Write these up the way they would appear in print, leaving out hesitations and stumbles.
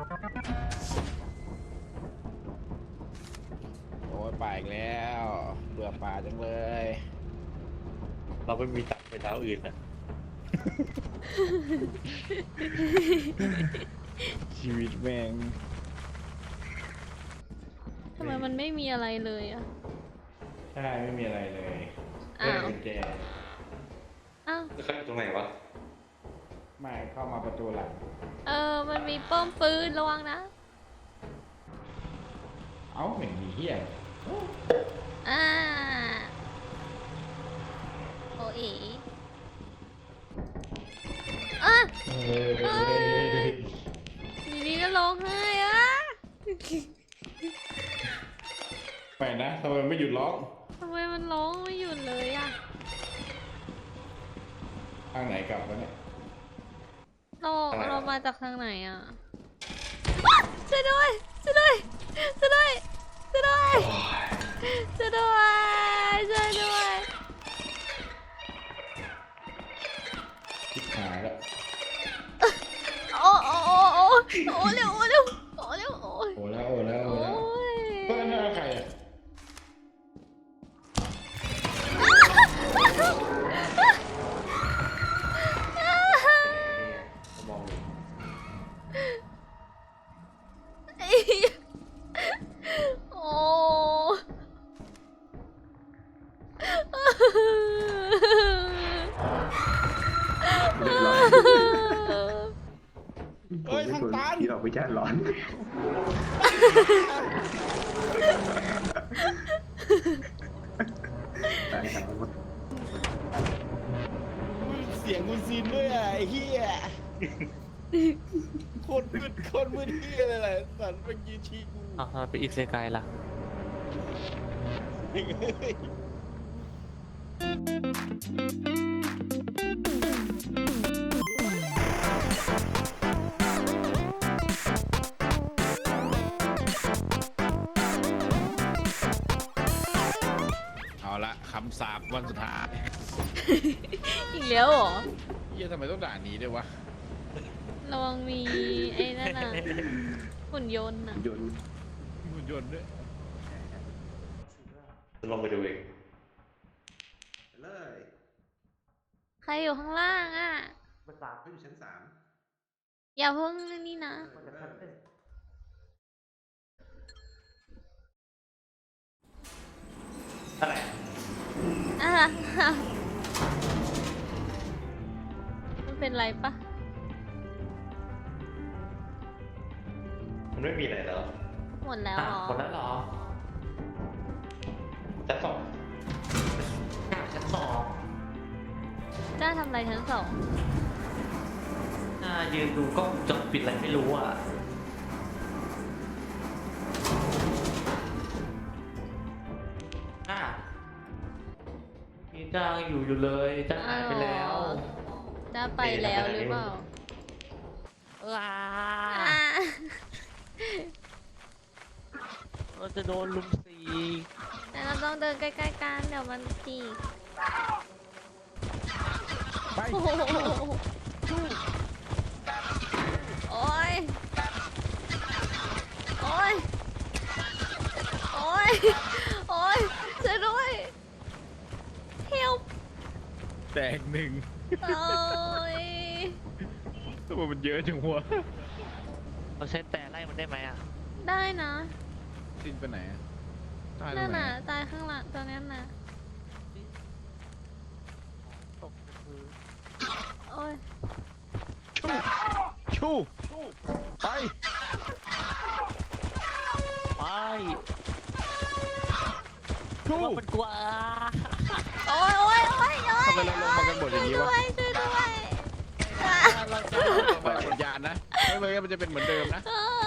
โอ้ยป่าอีกแล้วเบื่อป่าจังเลยเราไม่มีตังค์ไปเท้าอื่นนะชีวิตแม่งทำไมมันไม่มีอะไรเลยอ่ะใช่ไม่มีอะไรเลยอ้าวกุญแจอ้าวแล้วเขาอยู่ตรงไหนวะไม่เข้ามาประตูหลังมันมีป้อมปืนระวังนะเอ้าไม่มีเฮียอ่าโอ้ยอ่ะทีนี้ก็ร้องไห้อ่ะไปนะทำไมไม่หยุดร้องทำไมมันร้องไม่หยุดเลยอ่ะทางไหนกลับวะเนี่ยเรามาจากทางไหนอ่ะอ๊ะช่วยด้วยช่วยด้วยช่วยด้วยช่วยด้วยช่วยด้วยช่วยด้วยทิศหายแล้วโอ้โอ้โอ้โอ้โอ้เร็วโอ้เร็วโอ้เร็วโอ้ยโอ้แล้วโอ้แล้วโอ้โอ้แล้วยเพื่อนน่าใครอ่ะมองอยู่โอ้เฮ้ยทางตันที่เราไปแจ้ร้อน ตายครับเสียงคุณซินด้วยอ่ะไอ้เฮียโคตรมืดเฮียเลยแหละสันเป็นยีชีกูอ้าวไปอีกเซกายล่ะเฮ้ยเอาละคำสาปวันสุดท้ายอีกแล้วเหรอเฮียทำไมต้องด่านี้ด้วยวะระวังมีไอ้นั่นน่ะหุ่นยนต์น่ะยนต์มีหุ่นยนต์ด้วยจะลงไปดูเองเลยใครอยู่ข้างล่างอ่ะมันตามเขาอยู่ชั้น3 อย่าเพิ่งนี่นะอะไรอ่ะมันเป็นไรปะมันไม่มีอะไรแล้วหมดแล้วเหรอหมดแล้วเหรอชั้นสองชั้นสองจ้าทำอะไรชั้นสองยืนดูก็จดปิดอะไรไม่รู้อ่ะมีจ้างอยู่เลยจ้างหายไปแล้วจ้าไปแล้วหรือเปล่าว้าอ่ะเราจะโดนลุมสีแต่เราต้องเดินใกล้ๆกันเดี๋ยวมันจีกไปโอ้โหโอ้ยโอ้ยโอ้ยโอ้ยช่วยด้วยเฮลแตกหนึ่งโอ้ยทำไมมันเยอะจังวะเราใช้แต่ไล่มันได้ไหมอ่ะได้นะซินไปไหนอะตายตรนั่งนไหนน่ะอะตายข้างหลังตัวนั้นน่ะตกคือโอ้ยชูไปไปชูมันกว่าโอ้ยโอ้ยโอ้ยโอ้ยทำไมเราลงมากันหมดอย่างนี้วะช่วยด้วยเราจะปล่อยวิญญาณนะไม่งั้นมันจะเป็นเหมือนเดิมนะ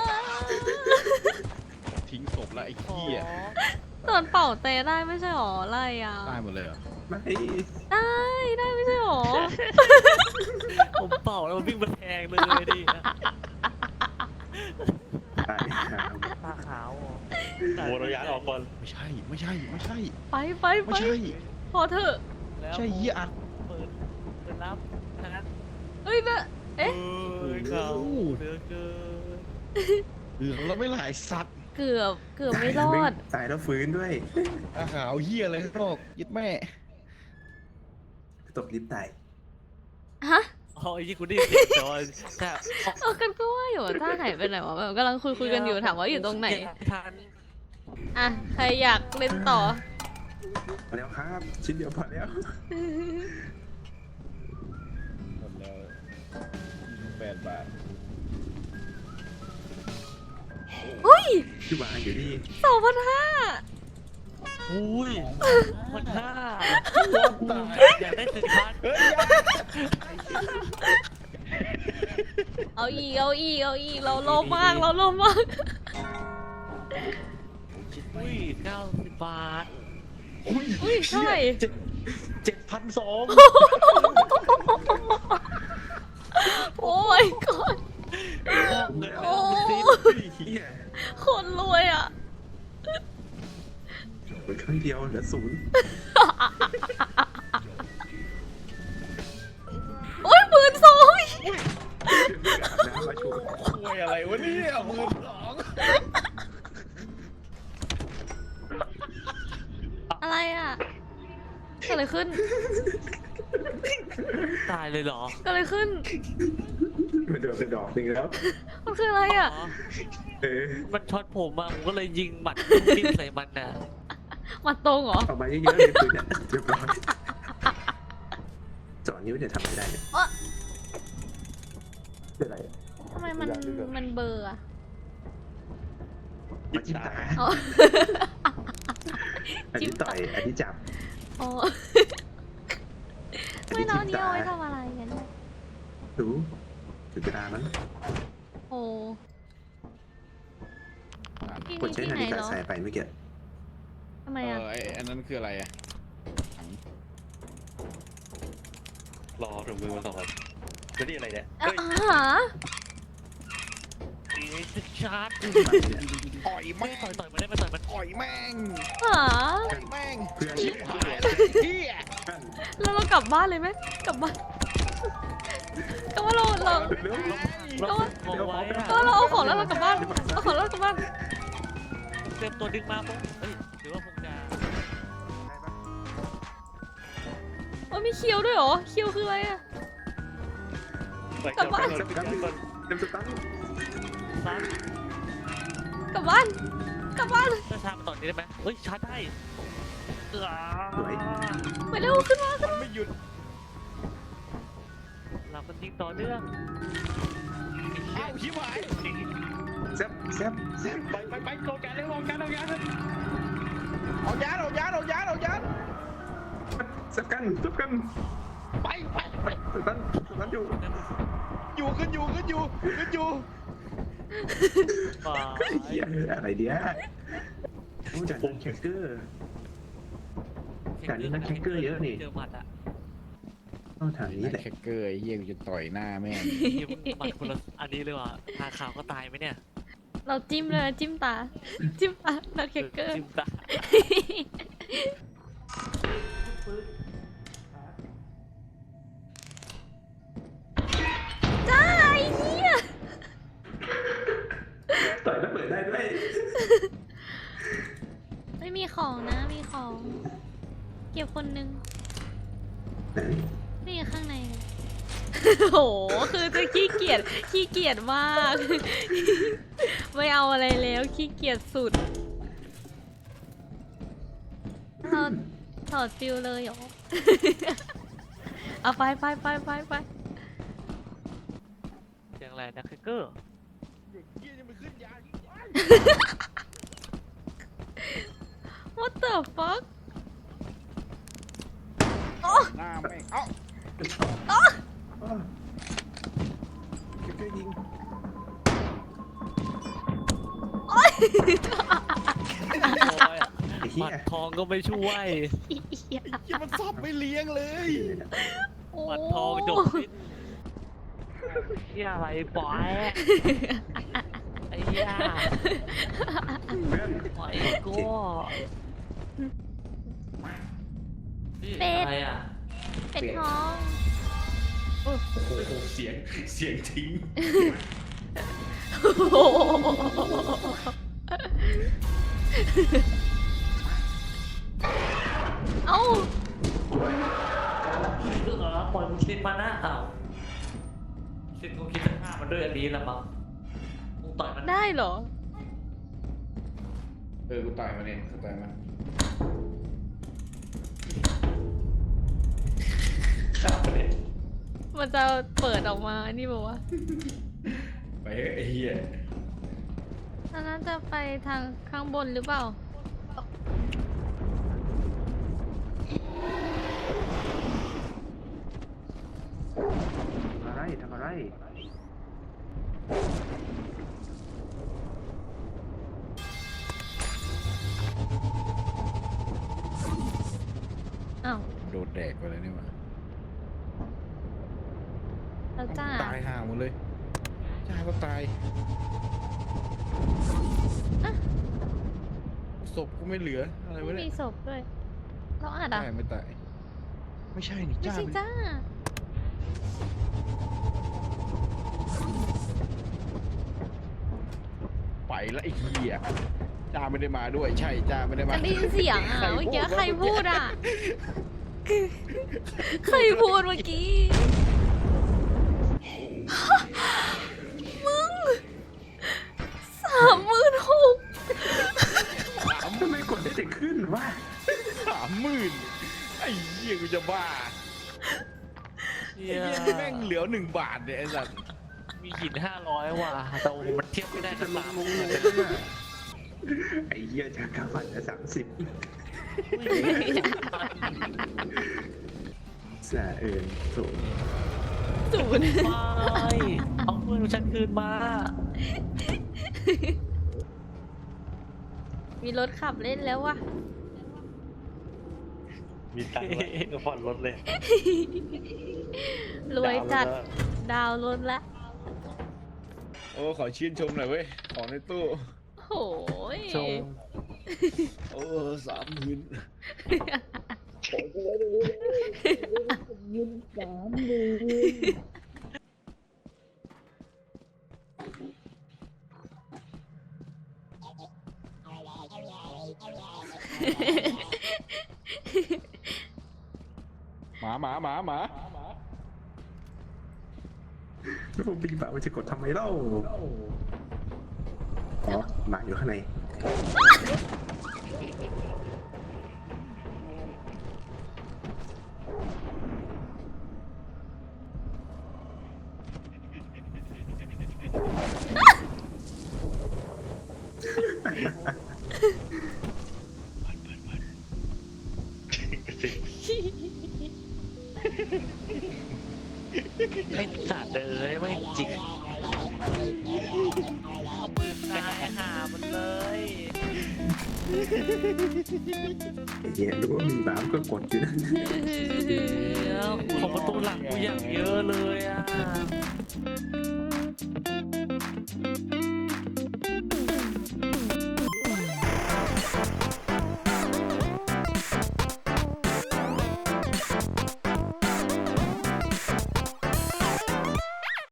ทิ้งศพแล้วไอ้เหี้ยตอนเป่าเตะได้ไม่ใช่หรออะไรอ่ะตายหมดเลยเหรอไม่ได้ไม่ใช่หรอผมเป่าแล้วมันวิ่งมาแทงเลยดิตายครับตาขาวโอ้เราย้ายออกก่อนไม่ใช่ไม่ใช่ไม่ใช่ไปไปไม่ไปใช่พอเถอะใช่เหี้ยอัดเปิดรับนะเอ้ยนะเอ๊ะเขาเหลือเกินเหลืองแล้วไม่หลายสัตว์เกือบไม่รอดตายแล้วฟื้นด้วยอาหาวเหี้ยอะไรข้างนอกยึดแม่ตกลิฟต์ตายฮะอ๋อไอ้ยี่กูได้ยินเสียงแต่ว่าแค่กันก็ว่าอยู่ว่าต้าหายไปไหนวะแบบกำลังคุยกันอยู่ถามว่าอยู่ตรงไหนทันอ่ะใครอยากเล่นต่อพอแล้วครับ ชิ้นเดียวพอแล้วหมดแล้ว8 บาทเฮ้ยที่วางอยู่นี่ 2,500 อุ้ยมันหน้าอยากได้สินค้าเอาอีกเราโลภมากอุ้ย90 บาทอุ้ยเท่าไหร่ 7,200 โอ้ยก่อน โอ้เฮียคนรวยอ่ะเหมือนครั้งเดียวเหลือศูนย์โอ้ย12,000 น้ำมาชูคุยอะไรวะเนี่ย12,000 อะไรอ่ะเกิดอะไรขึ้นตายเลยเหรอเกิดอะไรขึ้นมันเดือดเป็นดอกหนึ่งแล้วมันคืออะไรอ่ะอ๋อเออมันช็อตผมมาผมก็เลยยิงหมัดปิ้นใส่มันน่ะมาตรงเหรอออกมาเยอะๆเลยปืนเนี่ยเรียบร้อยจ่อนิ้วเนี่ยทำไม่ได้เนี่ยอ๊ะเป็นไรทำไมมันเบลอร์อ่ะมาจิ้มตาอ๋ออันนี้ต่อยอันนี้จับอ๋ออันไม่นี้แล้วจิ้อัมนนี้ตาเอาไว้ทำอะไรกันเนี่ยรู้ถึงเวลามั้งโอ้ที่กดนี่ใช้ที่นาไหนฬิกาเหรอสายไปเมื่อกี้ทำไมอ่ะไอ้อันนั้นคืออะไรอะรอถึงมือมาสองคนจะนี่อะไรเนี่ยอ่ะเฮ้ยหาชาร์จต่อยไม่แม่งต่อยมันได้ไม่ต่อยมันต่อยแม่งหาต่อยแม่งเพื่อนชิบหายเลยเหี้ยแล้วเรากลับบ้านเลยไหมกลับบ้านก็ว่าเราเร็วเราเอาไว้อะก็เราเอาของแล้วเรากลับบ้านเอาของแล้วเรากลับบ้านเตรียมตัวดึงมาปุ๊บเฮ้ยหรือว่าคงจะโอ้ยมีเคียวด้วยเหรอเคียวคืออะไรอ่ะ กลับบ้านเต็มสตันกลับบ้านกลับบ้านจะชาร์จมาต่อนี้ได้ไหมเฮ้ยชาร์จได้สวยไปเร็วขึ้นมามันไม่หยุดเรามันยิงต่อเนื่องเอ้าชิบหายแซ่บแซ่บแซ่บไปโกงกันเลยโกงกันเอายานแซ่บกันแซ่บกันไปสตันอยู่ขึ้นอยู่ป่าเฮียอะไรเดียวโอ้จากนั้นแคคเกอร์ แต่นี่นักแคคเกอร์เยอะนี่เจอหมัดอะต้องทางนี้แหละแคคเกอร์ไอ้เหี้ยกูจะต่อยหน้าแม่งยิงหมัดคนละอันนี้เลยว่ะทาขาวก็ตายไหมเนี่ยเราจิ้มเลยนะจิ้มตานักเคเกอร์จิ้มตาจ้าไอ้เหี้ยต่อยแล้วเปิดได้ด้วยไม่มีของนะมีของ เก็บคนนึงไหนนี่ข้างใน โหคือจะขี้เกียจมาก ไม่เอาอะไรแล้วขี้เกียจสุดถอดฟิลเลยเหรอ เอาไปอย่างไรนะแคคเกอร์เหี้ยยังไม่ขึ้นยาน What the fuck หน้าแม่งเอ้าแคคเกอร์ยิงโอ้ยไอ้หเหี้มัยดทองก็ไม่ช่วยเหี้ยมันสับไม่เลี้ยงเลยโอ้หมัดทองจบสิ้นเฮียอะไรปล่อยไอ้เหี้ยเพื่อนปล่อยกูนี่อะไรอ่ะเป็ดทองโอ้โหเสียงทิ้งโอ้โหด้วยอันนี้ละมั้งมึงต่อยมันได้เหรอกูต่อยมันเองกูต่อยมันฆ่ามันเลยมันจะเปิดออกมา นี่บอกว่าไปเฮ้ยไอ้เหี้ยอันนั้นจะไปทางข้างบนหรือเปล่าทำอะไรอ้าวโดนแดกไปเลยนี่หว่าแล้วจ้าตายห่าหมดเลยจ้าก็ตายอ่ะศพก็ไม่เหลืออะไรวะไม่เนี่มียศพด้วยเราอาจอ่ะตายไม่ตายไม่ใช่นี่ไม่จ้าใช่จ้าไปละไอ้เหี้ยจ้าไม่ได้มาด้วยใช่จ้าไม่ได้มาจะได้ยินเสียงอ่ะใครเมื่อกี้พูดใครพูดอ่ะ ใครพูดเมื่อกี้ มึง36,000 ทำไมกดได้แต่ขึ้นวะ 30,000ไอ้เหี้ยกูจะบ้าเหี้ไอ้ยเหี้ยนี่แม่งเหลือ1 บาทเนี่ยไอ้สัสมีหิน500ว่ะแต่มันเทียบไม่ได้จะกับลตาง มลงลงไอ้เหี้ยจากกาฟันละ30สะโถศูนย์ไม่เอาเงินฉันคืนมามีรถขับเล่นแล้ววะมีตังค์แล้วก็ผ่อนรถเลยรวยจัด ดาวรถละโอ้ขอชื่นชมหน่อยเว้ยของในตู้โอ้ยชมโอ้30,000 หมาแล้วผมปีบ่ามันจะกดทำไมเล่าอ๋อหมาอยู่ข้างในไม่สัตว์เลยไม่จริงเอาปืนตายหามันเลยไอ้เหี้ยรู้ว่ามีบ่ามันก็กดอยู่นั่นเดี๋ยวของประตูหลังกูอย่างเยอะเลยอ่ะ